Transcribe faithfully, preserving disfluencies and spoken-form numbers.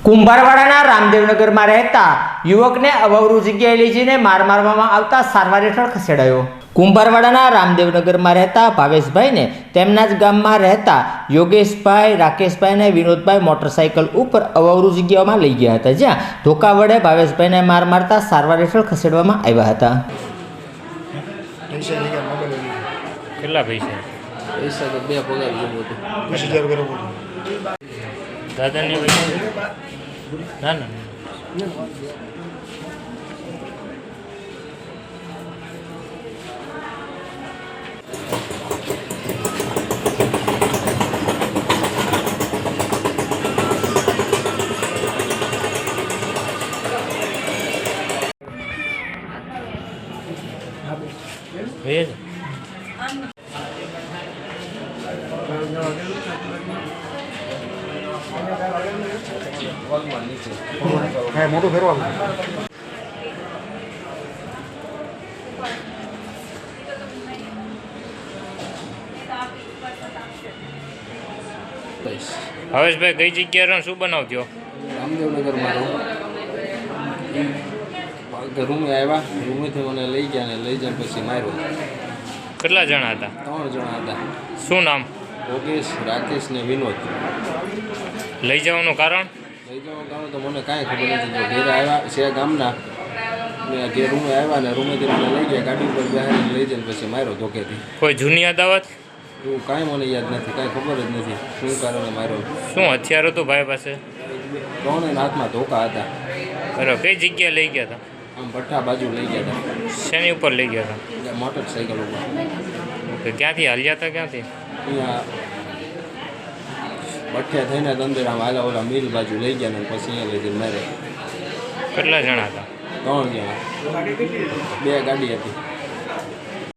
કુંભારવાડાના રામદેવનગરમાં રહેતા યુવકને અવવરૂ જગ્યાએ લઈ જઈને માર મારવામાં આવતા સારવાર હેઠળ ખસેડાયો। કુંભારવાડાના રામદેવનગરમાં રહેતા ભાવેશભાઈને તેમના જ ગામમાં રહેતા યોગેશભાઈ, રાકેશભાઈ અને વિનોદભાઈ મોટરસાઇકલ ઉપર અવવરૂ જગ્યાઓમાં લઈ ગયા હતા, જ્યાં ધોકા વડે ભાવેશભાઈને માર મારતા સારવાર હેઠળ ખસેડવામાં આવ્યા હતા। કેટલા પૈસા? પૈસા તો બે પગાર જેવું હતું, વીસ હજાર બરાબર। દાદાની પૈસા ના ના ભેજ હા, મોટું ફેરવા હવેશભાઈ કઈ જગ્યાએ શું બનાવજો? રામદેવનગરમાં રહું। રૂમે આવ્યા, રૂમેથી મને લઈ ગયા ને લઈ જાય પછી માર્યો। કેટલા જણા હતા? ત્રણ જણા હતા, શું નામ? યોગેશ, રાકેશ ને વિનોદ। લઈ જવાનું કારણ? લઈ જવાનું કારણ તો મને કાંઈ ખબર નથી। તો ઘેરે આવ્યા છે ગામના, મેં ઘેર રૂમે આવ્યા ને રૂમેથી મને લઈ ગયા, ગાડી ઉપર બેહાડીને લઈ જઈને પછી માર્યો ધોકેથી। કોઈ જૂની અદાવત? એવું કાંઈ મને યાદ નથી, કાંઈ ખબર જ નથી શું કારણે માર્યો। શું હથિયાર હતું ભાઈ પાસે? ત્રણેય હાથમાં ધોકા હતા। બરાબર, કઈ જગ્યાએ લઈ ગયા હતા? આમ ભઠ્ઠા બાજુ લઈ ગયા હતા, શેની ઉપર લઈ ગયા હતા? એટલે મોટરસાઇકલ ઉપર। ઓકે, ક્યાંથી હાલ્યા હતા? ક્યાંથી? અહીંયા ભઠ્ઠિયા થઈને અંદર આમ આલા ઓલા મિલ બાજુ લઈ ગયા ને પછી અહીંયા લઈ જઈને મારે। કેટલા જણા હતા? ત્રણ જણા, બે ગાડી હતી।